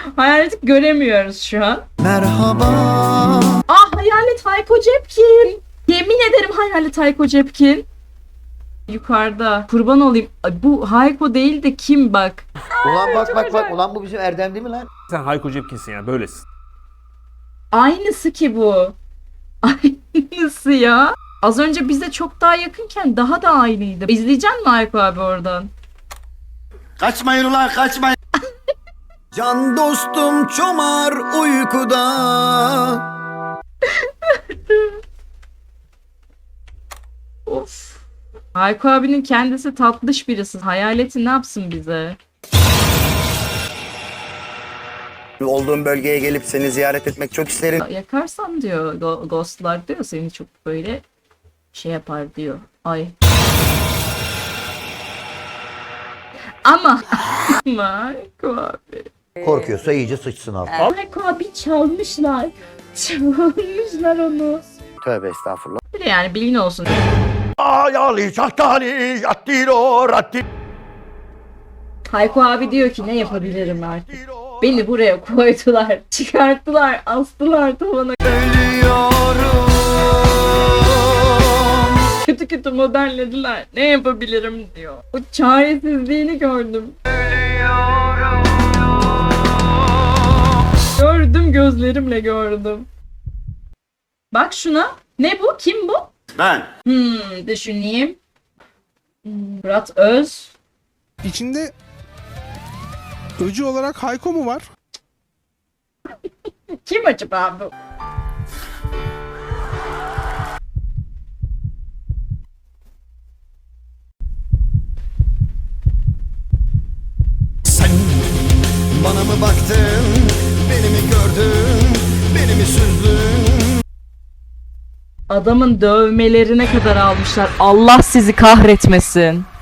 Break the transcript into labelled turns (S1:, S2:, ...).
S1: Hayaleti göremiyoruz şu an.
S2: Merhaba.
S1: Ah, hayalet Hayko Cepkin. Yemin ederim hayalet Hayko Cepkin. Yukarıda. Kurban olayım. Ay, bu Hayko değil de kim bak.
S2: Ulan bak. Ulan bu bizim Erdem değil mi lan?
S3: Sen Hayko Cepkin'sin yani, böylesin.
S1: Aynısı ki bu. Aynısı ya. Az önce bize çok daha yakınken daha da aynıydı. İzleyecek misin Hayko abi oradan?
S2: Kaçmayın ulan kaçmayın. Can dostum çomar uykuda.
S1: Of. Hayko abinin kendisi tatlış birisi. Hayaleti ne yapsın bize?
S4: Olduğum bölgeye gelip seni ziyaret etmek çok isterim.
S1: Yakarsan diyor ghostlar diyor seni çok böyle şey yapar diyor. Ay. Ama Hayko abi.
S2: Korkuyorsa iyice sıçsın abi.
S1: Hayko abi çalmışlar. Çalmışlar onu.
S4: Tövbe estağfurullah.
S1: Bir de yani bilgin olsun.
S2: Ayali çahtali yattiro ratti.
S1: Hayko abi diyor ki ne yapabilirim artık. Beni buraya koydular, çıkarttılar, astılar tavana.
S2: Ölüyorum.
S1: Kötü kötü modellediler. Ne yapabilirim diyor. O çaresizliğini gördüm. Gördüm, gözlerimle gördüm. Bak şuna. Ne bu? Kim bu?
S2: Ben.
S1: Düşüneyim. Murat Öz.
S5: İçinde öcü olarak Hayko mu var?
S1: Kim acaba bu?
S2: Sen bana mı baktın, beni mi gördün, beni mi süzdün?
S1: Adamın dövmelerine kadar almışlar. Allah sizi kahretmesin.